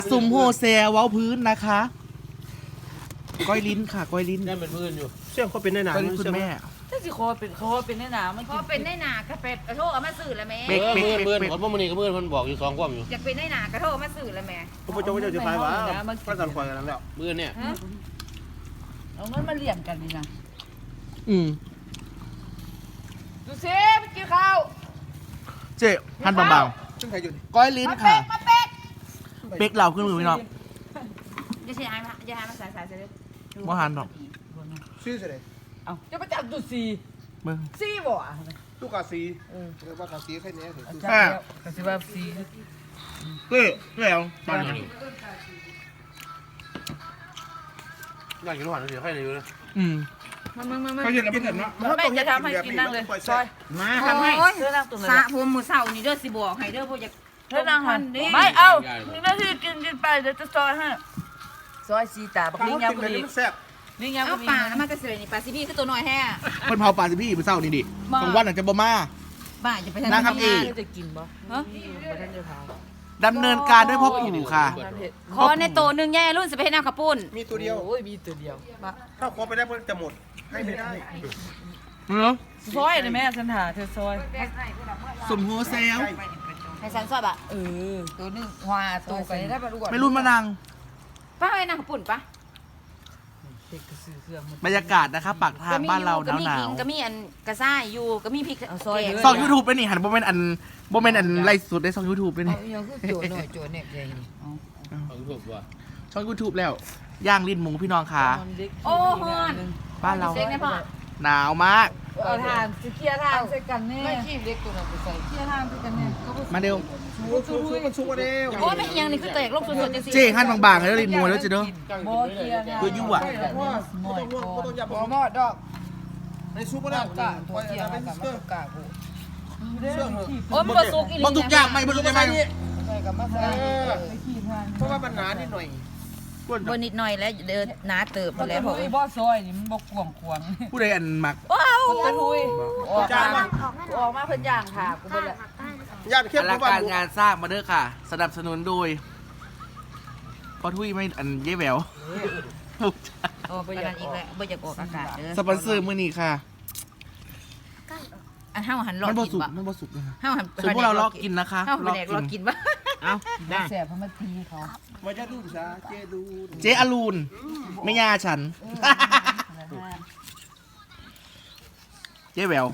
สุ่มโฮเซลเว้าพื้นนะคะก้อยลิ้นค่ะก้อยลิ้นนั่นเป็นพื้นอยู่เชื่อมเขาเป็นได้หนาก้อยลิ้นคุณแม่ถ้าสิคอเป็นแน่หนามันเพราะเป็นได้หนากระเป็ดกระโทกเอามาสื่อแล้วแม่เบรกพื้นคนพวกมันนี่ก็พื้นมันบอกอยู่2ความอยู่อยากเป็นได้หนากระโทกมาสื่อแล้วแม่พระเจ้าจะไปวะพระจันทร์คอยกันแล้วพื้นเนี่ยเอาเงินมาเลี้ยงกันนี่นะ ดูซิไปกินข้าวเจ๊หั่นบางซึ่งใครอยู่ๆก้อยลิ้นค่ะเป๊กเหล่าขึ้นมือพี่น้องจะใช้มาจะให้มาสายเลยบ่หั่นดอกชื่ออะไรเอาจะไปจับดูซีเบิ่งซีบ่ตู้กาซีเรียกว่ากาซีแค่นี้ถึงจับแล้วก็สิว่าซีเจ๊แล้วตอนนี้อยากกินหวานเดี๋ยวให้เลยอยู่เลยมาเขาเย็นแล้วพี่เห็นเนาะแม่จะทำให้กินนั่งเลยซอยมาทำให้เธอนั่งตรงไหนสระผมมือเสานี่เด้อสิบอกให้เด้อพวกอยากเธอนั่งหันไม่เอาหนึ่งนาทีกินไปเดี๋ยวจะซอยให้ซอยซีตาบักลิงยาวบุรีมันแซ่บลิงยาวเอาบุรีป่าแล้วมันก็เสยนี่ปลาซิบี้คือตัวน้อยแท้เพิ่นเผาปลาสิพี่มื้อเช้านี่ดิกลางวันอาจจะบ่มาบ้าจะไปนั่งทำเองจะกินบ่ฮะบ่ทันจะทำดำเนินการด้วยพ่อปู่ค่ะขอในโตนึงแย่รุ่นสิไปให้น้ำข้าวปุ้นมีตัวเดียวโอ้ยมีตัวเดียวถ้าขอไปได้มันจะหมดให้ไม่ได้เนาะซอยนะแม่ฉันหาเธอซอยสุ่มโฮเซลให้สันซอยบะตัวนึงหัวตัวไปได้ปะลูกไม่รุ่นมานังป้าให้น้ำข้าวปุ้นปะเด็กกระสือเครื่องบรรยากาศนะคะปากทางบ้านเราหก็มีนาขิวงก็มีอันกระซ่ายอยู่ก็มีพริกซอยๆซอง YouTube ไปนี่หันบ่แม่นอันไลฟ์สดได้ซอง YouTube ไปนี่ยังคือโจหน่อยโจเนี่ยใหญ่นี่ของถูกว่ะช่อง YouTube แล้วย่างลิ้นหมูพี่น้องค่ะโอ้ฮอนบ้านเราเซ็งได้พ่อหนาวมากเอาทานสิเคลียร์ทานใส่กันแน่ไม่ขี้เล็กตัวนั้นไปใส่เคลียร์ทานใส่กันแน่มาเร็วชูมันชูมาเร็วโอ้ไม่ยังนี่คือแตกลงสุดๆจังสิเจ๊หั่นบางๆแล้วลิ้นหมูแล้วจะเด้อบ่เคลียร์ทานคือยั่วพ่อต้องยับบ่หมดดอกในซุปก็ได้กะตัวเทียมกับมะกะผู้เชื่อเหรอโอ้มันบ่สุกอีหลีบ่ทุกอย่างไม่บ่ทุกอย่างไม่ใส่กับมะกะไปขี้ทานเพราะว่ามันหนานิดหน่อยบ่นิดหน่อยแล้วเดินหนาเติบมันแล้วบ่พ่อบ่ซอยนี่มันบ่กวงควงผู้ใดอันมักว้าวตะทุยออกมาเพิ่นย่างค่ะกูบ่ละญาติเข้มอเพลังราะว่าการงานสร้างมาเด้อค่ะ สนับสนุนโดยพ่อทุยไม่อันเย่แหววโอ้บ่อยากอีกแล้วบ่อยากออกอากาศเด้อสปอนเซอร์มื้อนี้ค่ะอันเฮาหันรอมันบ่กินสุกบ่มันบ่สุกนะคะเฮาหันส่วนพวกเราลอกกินนะคะเฮาไปแดกรอกินบ่เอาได้แสบเพราะมันตีเขาว่าจะดูซะเจดูเจ๊อลูนไม่ยาฉัน เจ๊แหวว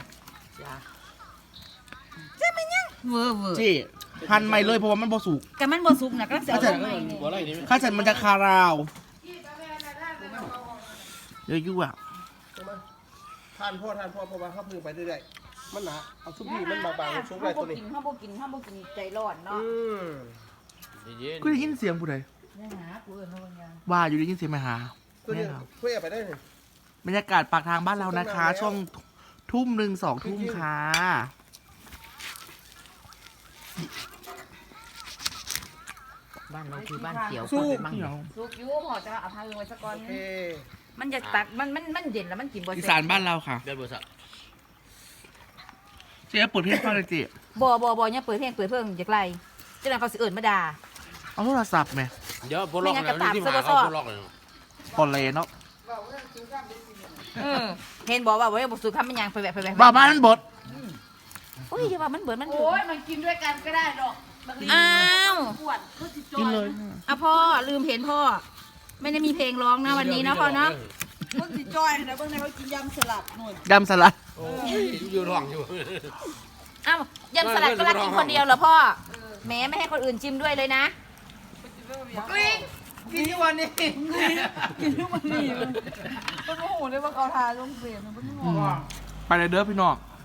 เวอร์เจ๊หั่นใหม่เลยเพราะว่ามันบ่สุกก็มันบ่สุกน่ะก็เสียลงใหม่นี่บ่ไรนี่ข้าฉันมันจะคาราวเยอะยุ่อ่ะทานพ่อเพราะว่าเขาพึ่งไปเรื่อยๆมันหนาเอาซุปพี่มันบางๆซุปอะไรตัวนี้เฮาบ่กินใจร้อนเนาะเย็นกูได้ยินเสียงผู้ใดเนี่ยหากูเอิ้นว่าอย่างว่าอยู่ได้ยินเสียงไหมหาตัวนี้เพื่อไปได้เลยบรรยากาศปากทางบ้านเรานะคะ ช่วงทุ่มหนึ่ง2 ทุ่มค่ะบ้านเราคือบ้านเขียวสู้เดี๋ยวสุกอยู่พอจะเอาพาลงไว้ซะก่อนเอมันจะตักมันเย็นแล้วมันกินบ่อีสานบ้านเราค่ะเดือนบริษัทเจ๊เปิดเพลงฟังเลยเจ๊บ่เนี่ยเปิดเพลงเพิ่งอยากไล่จังนั้นเขาสิเอิ้นมาด่าเอาโทรศัพท์ไหมเดี๋ยวพวกล็อกนะที่มาเขาพวกล็อกเลยปอนเลยเนาะเห็นบอกว่าบ่สุกทำมันยังไปแบบบ้าบ้านมันบดโอ้ยอย่าว่ามันเบิดมันโอ้ยมันกินด้วยกันก็ได้ดอกอ้าวปวดเพื่อสิจอกินเลยอ่ะพ่อลืมเห็นพ่อ ไม่ได้มีเพลงร้องนะวันนี้นะพ่อเนาะเพื่อสิจอยนะเบิ่งในเขากินยำสลัดหน่อยยำสลัดโอ้ยอยู่ท้องอยู่อ้าวยำสลัดก็รักกินคนเดียวเหรอพ่อแม้ไม่ให้คนอื่นชิมด้วยเลยนะกลิ้งกินทุกวันนี้กินทุกวันนี้มันโอ้โหเลยว่าเขาทาลงเปลี่ยนมันโอ้โหไปเลยเด้อพี่น้องเ